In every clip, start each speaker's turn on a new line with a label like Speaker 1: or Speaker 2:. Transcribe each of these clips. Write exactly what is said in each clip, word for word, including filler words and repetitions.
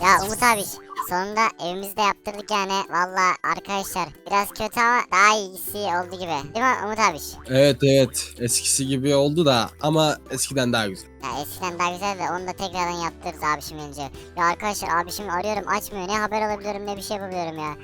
Speaker 1: Ya Umut abi sonunda evimizde yaptırdık yani. Valla arkadaşlar biraz kötü ama daha iyisi oldu gibi. Değil mi Umut abi?
Speaker 2: Evet evet eskisi gibi oldu da ama eskiden daha güzel.
Speaker 1: Ya eskiden daha güzel de onu da tekrardan yaptırırız abişim gelince. Ya arkadaşlar abişimi arıyorum açmıyor. Ne haber alabiliyorum ne bir şey yapabiliyorum ya.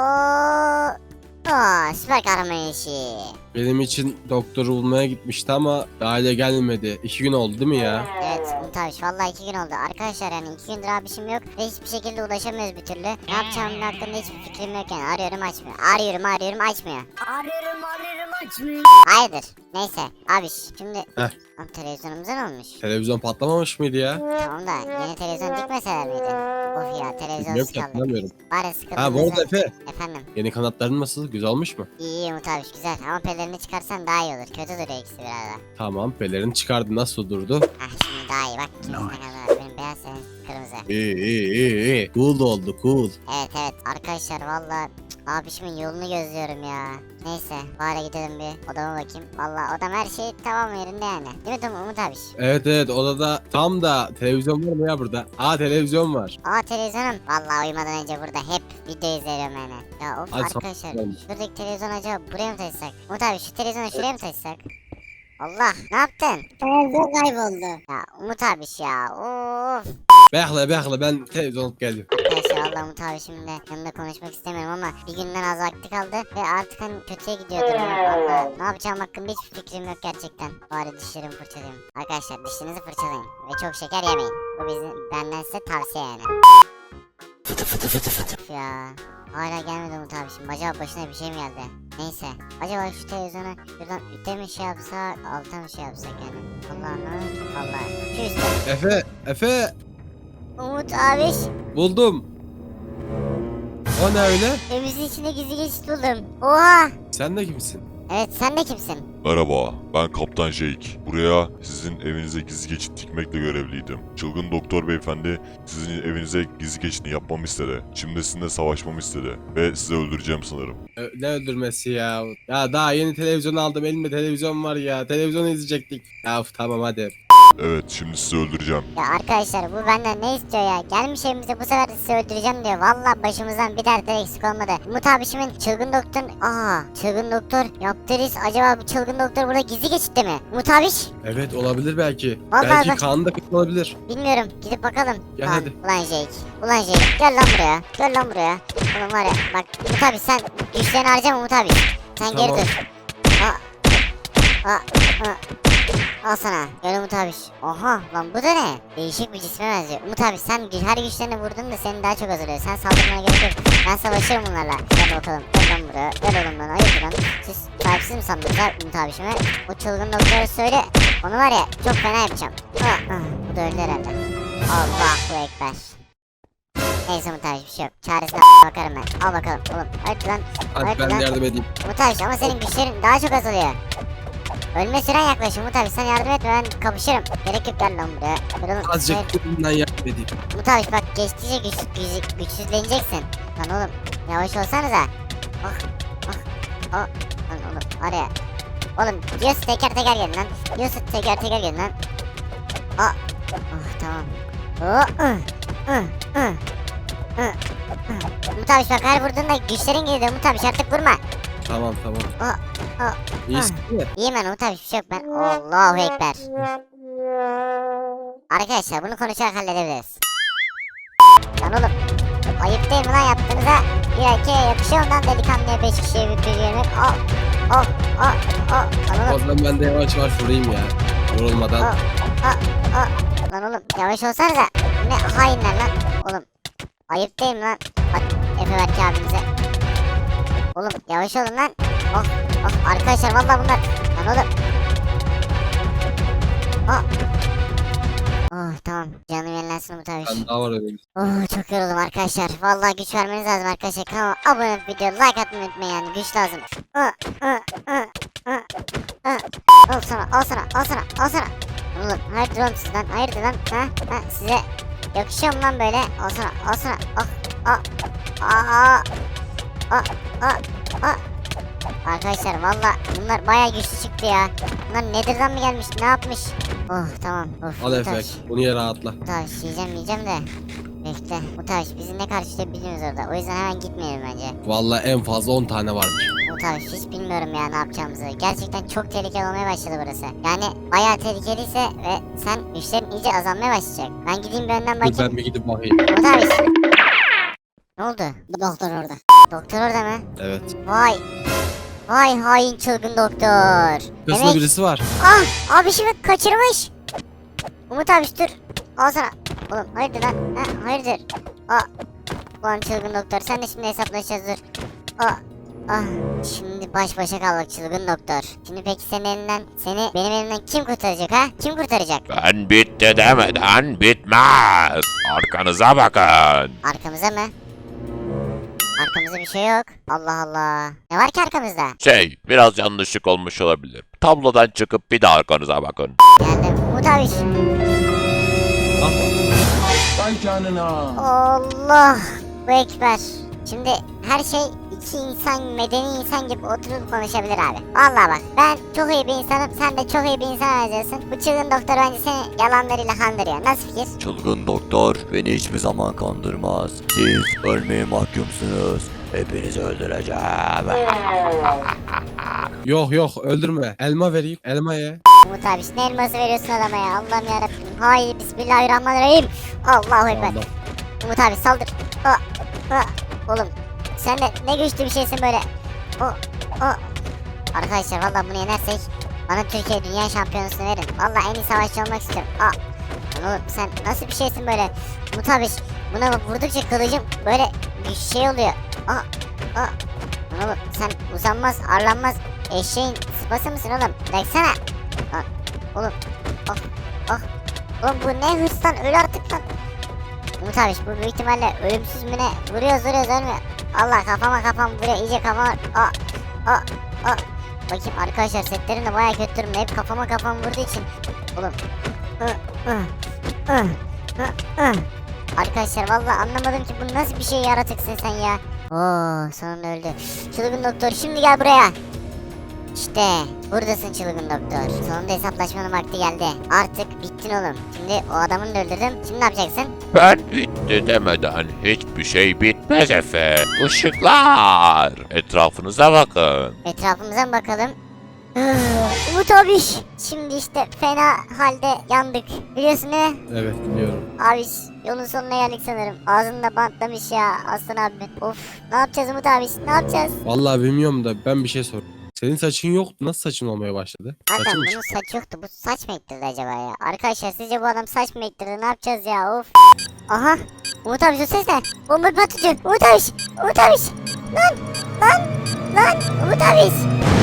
Speaker 1: Oo, Oo süper kahraman işi.
Speaker 2: Benim için doktoru bulmaya gitmişti ama hala gelmedi. İki gün oldu değil mi ya?
Speaker 1: Evet Umut abi vallahi iki gün oldu. Arkadaşlar yani iki gündür abişim yok ve hiçbir şekilde ulaşamıyoruz bir türlü. Ne yapacağımın hakkında hiçbir fikrim yok yani. Arıyorum açmıyor. Arıyorum arıyorum açmıyor.
Speaker 3: Arıyorum arıyorum açmıyor.
Speaker 1: Hayırdır? Neyse abiş şimdi
Speaker 2: Heh.
Speaker 1: Lan televizyonumuza ne olmuş?
Speaker 2: Televizyon patlamamış mıydı ya?
Speaker 1: Tamam da yeni televizyon dikmeseler miydi? Of ya
Speaker 2: Bilmiyorum
Speaker 1: televizyonsuz
Speaker 2: ki
Speaker 1: kaldık.
Speaker 2: hatırlamıyorum.
Speaker 1: Bari
Speaker 2: Ha bu arada
Speaker 1: sıkıntımızı...
Speaker 2: Efe.
Speaker 1: Efendim
Speaker 2: Yeni kanatların nasıl? Güzel olmuş mu?
Speaker 1: iyi iyi Umut abiş güzel ama pelerini çıkarsan daha iyi olur. Kötü duruyor ikisi biraz da.
Speaker 2: Tamam pelerini çıkardı nasıl durdu?
Speaker 1: Hah şimdi daha iyi bak ikimizin ne kadar. Benim beyaz senin kırmızı.
Speaker 2: İyi iyi iyi iyi. Cool oldu cool.
Speaker 1: Evet evet arkadaşlar valla abişimin yolunu gözlüyorum ya. Neyse bari gidelim bir odama bakayım. Valla odam her şey tamam yerinde yani. Değil mi Tom Umut abiş?
Speaker 2: Evet evet odada tam da televizyon var mı ya burada? Aa televizyon var.
Speaker 1: Aa televizyonum. Valla uyumadan önce burada hep video izliyorum yani. Ya of
Speaker 2: Hadi
Speaker 1: arkadaşlar
Speaker 2: sabah.
Speaker 1: şuradaki televizyon acaba buraya mı taşısak? Umut abi şu televizyonu şuraya mı taşısak? Allah ne yaptın?
Speaker 3: Televizyon kayboldu.
Speaker 1: Ya Umut abi ya of.
Speaker 2: Bekle bekle ben televizyon alıp geldim.
Speaker 1: Arkadaşlar valla Umut abi şimdi yanında konuşmak istemiyorum ama bir günden az vakti kaldı ve artık hani kötüye gidiyor durum. Valla ne yapacağım hakkında hiçbir fikrim yok gerçekten. Bari dişlerimi fırçalayayım. Arkadaşlar dişlerinizi fırçalayın ve çok şeker yemeyin. Bu bizim benden size tavsiye yani.
Speaker 2: Fıtı fıtı fıtı fıtı.
Speaker 1: Of ya. Hala gelmedi Umut abi şimdi acaba başına bir şey mi geldi? Neyse. Acaba şu televizyonu şuradan üte mi şey yapsak alta mı şey yapsak yani? Allah anlamadım ki vallahi. Şu üstte.
Speaker 2: Efe Efe
Speaker 1: Umut abi
Speaker 2: buldum. O ne öyle?
Speaker 1: evimizin içinde gizli geçit buldum. Oha.
Speaker 2: Sen de kimsin?
Speaker 1: Evet sen de kimsin?
Speaker 4: Merhaba, ben Kaptan Jake. Buraya sizin evinize gizli geçit dikmekle görevliydim. Çılgın doktor beyefendi sizin evinize gizli geçitini yapmamı istedi. Şimdi sizinle savaşmamı istedi ve sizi öldüreceğim sanırım.
Speaker 2: Ö- Ne öldürmesi ya? Ya daha yeni televizyon aldım elimde televizyon var ya. Televizyonu izleyecektik. Ya of, tamam hadi.
Speaker 4: Evet, şimdi sizi öldüreceğim.
Speaker 1: Ya arkadaşlar bu benden ne istiyor ya? Gelmiş evimize bu sefer de sizi öldüreceğim diyor. Vallahi başımızdan bir dert de eksik olmadı. Umut abişimin çılgın doktor... Aa çılgın doktor yaptığı risk acaba bu çılgın doktor burada gizli geçitte mi? Umut abiş?
Speaker 2: Evet olabilir belki.
Speaker 1: Vallahi
Speaker 2: belki
Speaker 1: ben-
Speaker 2: kanında kırık olabilir.
Speaker 1: Bilmiyorum gidip bakalım.
Speaker 2: Gel
Speaker 1: Lan,
Speaker 2: hadi.
Speaker 1: Ulan Jake. Ulan Jake gel lan buraya. Gel lan buraya. Oğlum var ya bak Umut abi sen güçlerini harcama Umut abi. Sen
Speaker 2: Tamam.
Speaker 1: geri dur. Aa. Aa. Aa. Al sana. Gel Umut abi. Oha lan bu da ne? Değişik bir cisme benziyor. Umut abi sen gü- her güçlerini vurdun da seni daha çok hazırlıyor. Sen saldırmana gerek yok. Ben savaşırım bunlarla. Gel bakalım. Gel lan buraya. Gel oğlum lan. Hayır lan. Siz sahipsiz mi sandınız ha Umut abişime? O çılgın doktora söyle. Onu var ya çok fena yapacağım. Ah, ah, bu da öldü herhalde. Allahu Ekber. Neyse Umut abi bir şey yok. Çaresine bakarım ben. Al bakalım oğlum. Hadi lan.
Speaker 2: Hadi
Speaker 1: Hadi
Speaker 2: ben
Speaker 1: lan.
Speaker 2: de yardım edeyim.
Speaker 1: Umut abi ama senin güçlerin daha çok azalıyor. Ölme süren yaklaşıyor Umut abi sen yardım etme ben kapışırım. Gerek yok gel lan buraya. Gel oğlum.
Speaker 2: Azıcık
Speaker 1: Hayır.
Speaker 2: bundan yardım edeyim.
Speaker 1: Umut abi bak geçtikçe güç, güç, güçsüzleneceksin. Lan oğlum yavaş olsanıza. Ah ah ah. Lan oğlum araya. Oğlum diyorsun teker teker gelin lan. Diyorsun teker teker gelin lan. Ah. Ah tamam. Oh, ıh, ıh, ıh, ıh, ıh. Umut abi bak her vurduğunda güçlerin geliyor Umut abi artık vurma.
Speaker 2: Tamam tamam.
Speaker 1: Ah ah.
Speaker 2: İyisin değil mi?
Speaker 1: İyiyim ben Umut abi bir şey yok ben. Allahu Ekber. Arkadaşlar bunu konuşarak halledebiliriz. Lan oğlum ayıp değil mi lan yaptığınıza? Bir erkeğe yakışıyor ondan delikanlıya beş kişiye bir bir yemek. Oh oh oh oh. Lan
Speaker 2: O
Speaker 1: oğlum
Speaker 2: zaman ben de yavaş yavaş vurayım ya. Vurulmadan.
Speaker 1: oh oh oh. Lan oğlum yavaş olsanıza. Ne hainler lan. Oğlum ayıp değil mi lan? Bak Efe Berke abimize. Oğlum yavaş olun lan. Oh oh arkadaşlar vallahi bunlar. Lan oğlum. Oh. Oh tamam canım yenilensin Umut abi.
Speaker 2: Ben daha var öyle.
Speaker 1: Oh çok yoruldum arkadaşlar. Vallahi güç vermeniz lazım arkadaşlar. Kanala abone olup video like atmayı unutmayın yani güç lazım. Ah, ah, ah, ah, ah. Al sana al sana al sana al sana. Oğlum hayırdır oğlum sizden hayırdır lan ha, ha size yakışıyor mu lan böyle? Al sana al sana ah ah ah ah ah ah. Arkadaşlar valla bunlar bayağı güçlü çıktı ya. Bunlar Nether'dan mı gelmiş ne yapmış? Oh tamam of.
Speaker 2: Al
Speaker 1: bu
Speaker 2: Efe.
Speaker 1: taş.
Speaker 2: Bunu yere atla.
Speaker 1: Daha yiyeceğim yiyeceğim de. Bekle. Umut abi bizi ne karşılayabiliyoruz orada. O yüzden hemen gitmeyelim bence.
Speaker 2: Vallahi en fazla on tane vardır.
Speaker 1: Umut abi hiç bilmiyorum ya ne yapacağımızı. Gerçekten çok tehlikeli olmaya başladı burası. Yani bayağı tehlikeliyse ve sen güçlerin iyice azalmaya başlayacak. Ben gideyim bir önden
Speaker 2: Dur
Speaker 1: bakayım.
Speaker 2: ben bir gidip bakayım.
Speaker 1: Umut abi. Ne oldu?
Speaker 3: Bu doktor orada.
Speaker 1: Doktor orada mı?
Speaker 2: Evet.
Speaker 1: Vay. Vay hain çılgın doktor.
Speaker 2: Kısmı
Speaker 1: Demek...
Speaker 2: birisi var.
Speaker 1: Ah abi şimdi kaçırmış. Umut abi dur. Al sana. Oğlum hayırdır lan? Ha, hayırdır? Aa. Ulan çılgın doktor sen de şimdi hesaplaşacağız dur. Aa. Ah. Şimdi baş başa kaldık çılgın doktor. Şimdi peki senin elinden seni benim elimden kim kurtaracak ha? Kim kurtaracak?
Speaker 5: Ben bitti demeden bitmez. Arkanıza bakın.
Speaker 1: Arkamıza mı? Arkamızda bir şey yok. Allah Allah. Ne var ki arkamızda?
Speaker 5: Şey, biraz yanlışlık olmuş olabilir. Tablodan çıkıp bir de arkanıza bakın.
Speaker 1: Geldim. Umut abi.
Speaker 6: Vay canına.
Speaker 1: Allah. Bu ekber. Şimdi her şey iki insan, medeni insan gibi oturup konuşabilir abi. Vallahi bak ben çok iyi bir insanım, sen de çok iyi bir insan benziyorsun. Bu çılgın doktor bence seni yalanlarıyla kandırıyor. Nasıl fikir?
Speaker 7: Çılgın doktor beni hiçbir zaman kandırmaz. Siz ölmeye mahkumsunuz. Hepinizi öldüreceğim.
Speaker 2: Yok yok öldürme. Elma vereyim. Elma ye.
Speaker 1: Umut abi ne elması veriyorsun adama ya? Allah'ım yarabbim. Hayır bismillahirrahmanirrahim. Allahu ekber.
Speaker 2: Allah.
Speaker 1: Umut abi saldır. Aa, aa. Oğlum sen de ne güçlü bir şeysin böyle. O, o. Arkadaşlar vallahi bunu yenersek bana Türkiye dünya şampiyonasını verin. Vallahi en iyi savaşçı olmak istiyorum. Aa. Lan oğlum sen nasıl bir şeysin böyle? Umut abi buna vurdukça kılıcım böyle bir şey oluyor. Aa, aa. Lan oğlum sen uzanmaz arlanmaz eşeğin sıpası mısın oğlum? Baksana. Lan oğlum. Oh, oh. Oğlum bu ne hırstan öl artık lan. Umut abi bu büyük ihtimalle ölümsüz mü ne? Vuruyoruz vuruyoruz ölmüyor. Allah kafama kafam vuruyor iyice kafama. Aa, aa, aa. Bakayım arkadaşlar setlerim de baya kötü durumda. Hep kafama kafam vurduğu için. Oğlum. Ih, ih, ih, ih, ih. Arkadaşlar vallahi anlamadım ki bu nasıl bir şey yaratıksın sen ya. Oo sonunda öldü. Çılgın doktor şimdi gel buraya. İşte buradasın çılgın doktor. Sonunda hesaplaşmanın vakti geldi. Artık bittin oğlum. Şimdi o adamını da öldürdüm. Şimdi ne yapacaksın?
Speaker 5: Ben bitti demeden hiçbir şey bitmez Efe. Işıklar. Etrafınıza bakın.
Speaker 1: Etrafımıza mı bakalım? Umut abi. Şimdi işte fena halde yandık. Biliyorsun değil mi?
Speaker 2: Evet biliyorum.
Speaker 1: Abi yolun sonuna geldik sanırım. Ağzında bantlamış ya Aslan abi. Of ne yapacağız Umut abi? Ne yapacağız?
Speaker 2: Vallahi bilmiyorum da ben bir şey sor. Senin saçın yoktu. Nasıl saçın olmaya başladı?
Speaker 1: Zaten
Speaker 2: Saçın mı
Speaker 1: bunun saç yoktu. Bu saç mı ektirdi acaba ya? Arkadaşlar sizce bu adam saç mı ektirdi? Ne yapacağız ya? Of. Aha. Umut abi şu ses ne? Bomba patlatıyor. Umut abi. Umut abi. Lan. Lan. Lan. Umut abi.